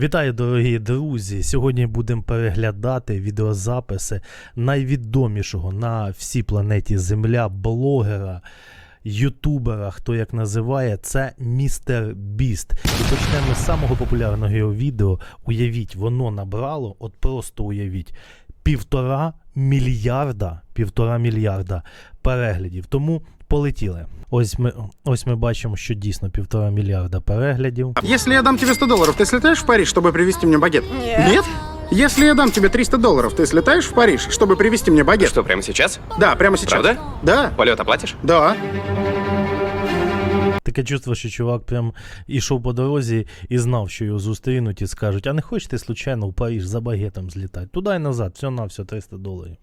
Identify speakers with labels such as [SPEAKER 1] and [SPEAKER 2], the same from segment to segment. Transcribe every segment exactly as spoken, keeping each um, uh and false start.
[SPEAKER 1] Вітаю, дорогі друзі! Сьогодні будемо переглядати відеозаписи найвідомішого на всій планеті Земля блогера, ютубера, хто як називає, це містер Біст. І почнемо з самого популярного його відео. Уявіть, воно набрало, от просто уявіть, півтора мільярда, півтора мільярда переглядів. Тому полетіли. Ось ми, ось ми бачимо, що дійсно півтора мільярда переглядів.
[SPEAKER 2] Если я дам тебе сто долларов, ты слетаешь в Париж, чтобы привезти мне багет?
[SPEAKER 3] Нет.
[SPEAKER 2] Нет? Если я дам тебе триста долларов, ты слетаешь в Париж, чтобы привезти мне багет?
[SPEAKER 4] Что, прямо сейчас?
[SPEAKER 2] Да, прямо сейчас.
[SPEAKER 4] Правда?
[SPEAKER 2] Да.
[SPEAKER 4] Полет оплатишь?
[SPEAKER 2] Да.
[SPEAKER 1] Таке чувство, що чувак прям ішов по дорозі і знав, що його зустрінуть і скажуть, а не хочеш ти случайно в Париж за багетом злітати? Туди і назад, все на все, триста доларів.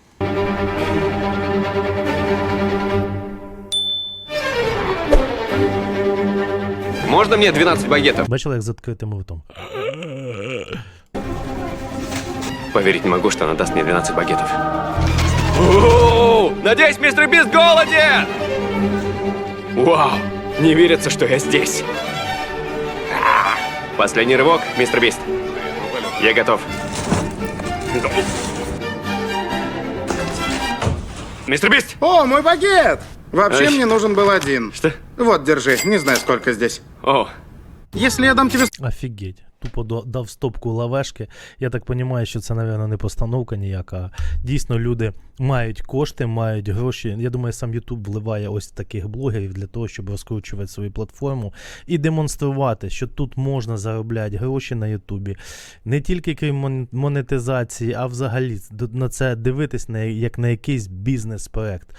[SPEAKER 4] Можно мне двенадцать багетов?
[SPEAKER 1] Бачили, як з відкритим ртом?
[SPEAKER 4] Поверить не могу, что она даст мне двенадцать багетов. О, надеюсь, мистер Бист голоден! Вау, не верится, что я здесь. А, Последний рывок, мистер Бист. Я готов. Мистер Бист!
[SPEAKER 2] О, мой багет! Вообще
[SPEAKER 4] Ай.
[SPEAKER 2] мне нужен был один.
[SPEAKER 4] Что?
[SPEAKER 2] Вот, держи. Не знаю, сколько здесь.
[SPEAKER 4] О,
[SPEAKER 2] Если я дам тебе
[SPEAKER 1] Офігеть. Тупо до- дав стопку лавешки. Я так розумію, що це, мабуть, не постановка ніяка. Дійсно, люди мають кошти, мають гроші. Я думаю, сам YouTube вливає ось таких блогерів для того, щоб розкручувати свою платформу і демонструвати, що тут можна заробляти гроші на Ютубі. Не тільки крім мон- монетизації, а взагалі д- на це дивитись на, як на якийсь бізнес-проект.